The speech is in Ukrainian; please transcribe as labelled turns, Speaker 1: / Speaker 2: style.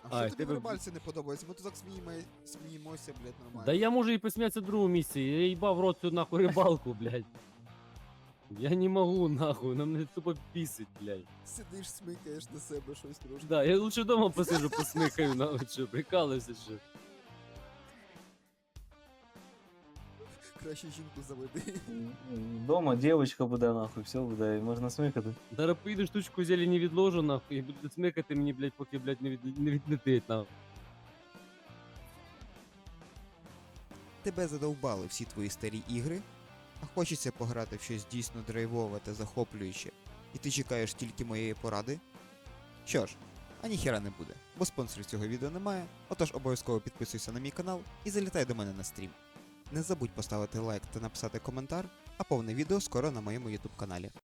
Speaker 1: А
Speaker 2: А,
Speaker 1: що тобі в
Speaker 2: тебе-
Speaker 1: рибальці не подобається? Ми тут так сміємося, блядь, нормально.
Speaker 2: Да я можу і посміятися в другому місці, я їбав в рот цю нахуй рибалку, блядь. Я не можу, нахуй, на мене тупо бісить, блядь.
Speaker 1: Сидиш, смикаєш на себе щось трошки.
Speaker 2: Да, я лучше дома посижу, посмикаю, нахуй, що, прикалуюся, що.
Speaker 1: Краще жінку заведи.
Speaker 3: Дома дівчинка буде нахуй, все буде, і можна смикати.
Speaker 2: Зараз поїду штучку зелені відложу, нахуй, і буду смикати мені, блядь, поки, блядь, не відлетить, нахуй.
Speaker 1: Тебе задовбали всі твої старі ігри, а хочеться пограти в щось дійсно драйвове та захоплююче, і ти чекаєш тільки моєї поради? Що ж, а ніхера не буде, бо спонсорів цього відео немає, отож обов'язково підписуйся на мій канал і залітай до мене на стрім. Не забудь поставити лайк та написати коментар, а повне відео скоро на моєму YouTube каналі.